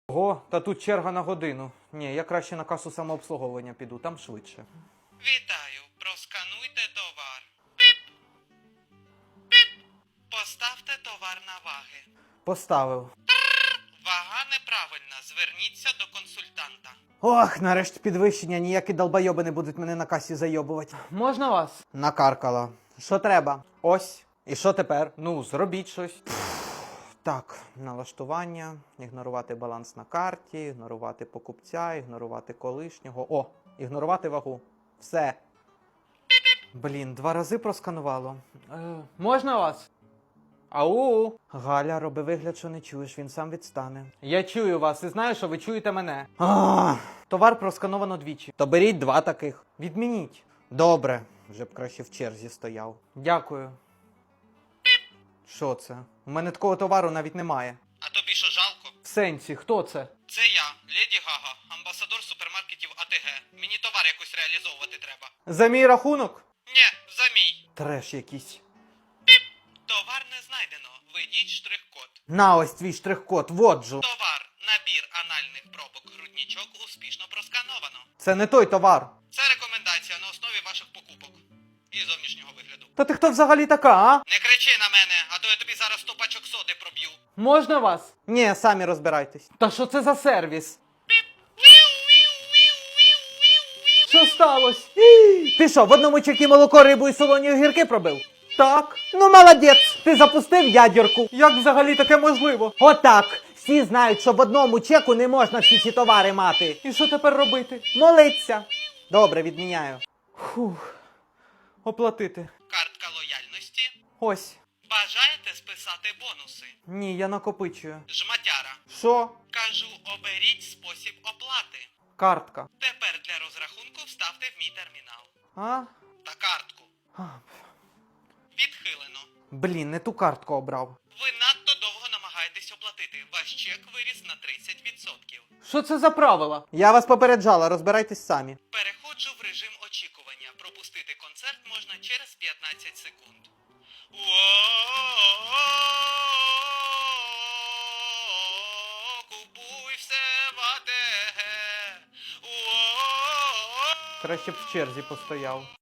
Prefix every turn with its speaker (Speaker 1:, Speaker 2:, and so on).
Speaker 1: Ого, та тут черга на годину. Ні, я краще на касу самообслуговування піду, там швидше.
Speaker 2: Вітаю, проскануйте товар. Піп! Піп! Поставте товар на ваги.
Speaker 1: Поставив.
Speaker 2: Вага неправильна, зверніться до консультанта.
Speaker 1: Ох, нарешті підвищення, ніякі долбойоби не будуть мене на касі зайобувати. Можна вас? Накаркала. Що треба? Ось. І що тепер? Ну, зробіть щось. Так, налаштування, ігнорувати баланс на карті, ігнорувати покупця, ігнорувати колишнього. О, ігнорувати вагу. Все. Блін, 2 рази просканувало. Можна вас? Ау! Галя, роби вигляд, що не чуєш, він сам відстане. Я чую вас і знаю, що ви чуєте мене. Товар проскановано 2. То беріть 2 таких. Відмініть. Добре. Вже б краще в черзі стояв. Дякую. Що це? У мене такого товару навіть немає.
Speaker 2: А тобі що жалко?
Speaker 1: В сенсі, хто це?
Speaker 2: Це я, Леді Гага, амбасадор супермаркетів АТГ. Мені товар якось реалізовувати треба.
Speaker 1: За мій рахунок?
Speaker 2: Нє, за мій.
Speaker 1: Треш якийсь.
Speaker 2: Товар не знайдено. Введіть штрих-код.
Speaker 1: На ось твій штрих-код, воджу.
Speaker 2: Товар, набір анальних пробок грудничок успішно проскановано.
Speaker 1: Це не той товар.
Speaker 2: Це рекомендація на основі ваших покупок і зовнішнього вигляду.
Speaker 1: Та ти хто взагалі така, а?
Speaker 2: Не кричи на мене, а то я тобі зараз 100 пачок соди проб'ю.
Speaker 1: Можна вас? Ні, самі розбирайтесь. Та що це за сервіс? Що сталося? Ти що, в одному чекі молоко, рибу і солоні огірки пробив? Так. Ну, молодець. Ти запустив ядерку. Як взагалі таке можливо? Отак. Всі знають, що в одному чеку не можна всі ці товари мати. І що тепер робити? Молиться. Добре, відміняю. Фух. Оплатити.
Speaker 2: Картка лояльності.
Speaker 1: Ось.
Speaker 2: Бажаєте списати бонуси?
Speaker 1: Ні, я накопичую.
Speaker 2: Жматяра.
Speaker 1: Що?
Speaker 2: Кажу, оберіть спосіб оплати.
Speaker 1: Картка.
Speaker 2: Тепер для розрахунку вставте в мій термінал.
Speaker 1: А?
Speaker 2: Та картку.
Speaker 1: А,
Speaker 2: Відхилено.
Speaker 1: блін, не ту картку обрав.
Speaker 2: Ви надто довго намагаєтесь оплатити. Ваш чек виріс на 30%.
Speaker 1: Що це за правила? Я вас попереджала, розбирайтесь самі.
Speaker 2: Переходжу в режим очікування. Пропустити концерт можна через 15 секунд. Купуй все в АТГ.
Speaker 1: Краще б в черзі постояв.